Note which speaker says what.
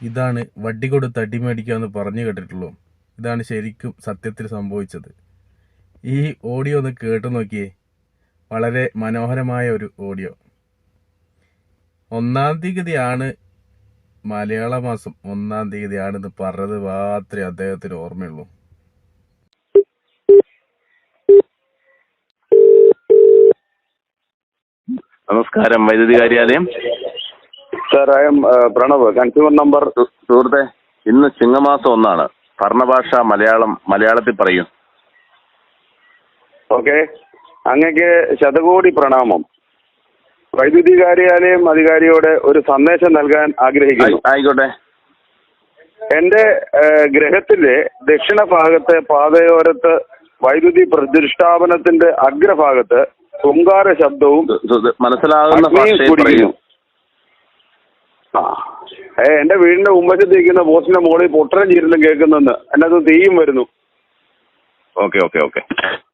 Speaker 1: ഇതാണ് വട്ടി കൊടുത്ത് അടിമേടിക്കാമെന്ന് പറഞ്ഞു കേട്ടിട്ടുള്ളൂ. ഇതാണ് ശരിക്കും സത്യത്തിൽ സംഭവിച്ചത്. ഈ ഓഡിയോ ഒന്ന് കേട്ടു നോക്കിയേ. വളരെ മനോഹരമായ ഒരു ഓഡിയോ. 1-ാം തീയതിയാണ് മലയാള മാസം 1-ാം തീയതിയാണെന്ന് പറഞ്ഞത് മാത്രമേ അദ്ദേഹത്തിന് ഓർമ്മയുള്ളൂ.
Speaker 2: നമസ്കാരം, വൈദ്യുതി കാര്യാലയം.
Speaker 3: Sir, I am Pranav, consumer number.
Speaker 2: സുഹൃത്തെ, ഇന്ന് ചിങ്ങമാസം 1 ഭരണഭാഷ മലയാളത്തിൽ പറയൂ.
Speaker 3: ഓക്കെ, അങ്ങക്ക് ശതകോടി പ്രണാമം. വൈദ്യുതി കാര്യാലയം അധികാരിയോട് ഒരു സന്ദേശം നൽകാൻ ആഗ്രഹിക്കുന്നു.
Speaker 2: ആയിക്കോട്ടെ.
Speaker 3: എന്റെ ഗൃഹത്തിലെ ദക്ഷിണ ഭാഗത്തെ പാതയോരത്ത് വൈദ്യുതി പ്രതിഷ്ഠാപനത്തിന്റെ അഗ്രഭാഗത്ത് ഹുങ്കാര ശബ്ദവും
Speaker 2: മനസ്സിലാകുന്ന
Speaker 3: എന്റെ വീടിന്റെ മുമ്പശത്ത് ഇരിക്കുന്ന പോസ്റ്റിന്റെ മുകളിൽ പൊട്ടലും ചീരലും കേൾക്കുന്നെന്ന്. അതിനകത്ത് തീയും വരുന്നു.
Speaker 2: ഓക്കെ.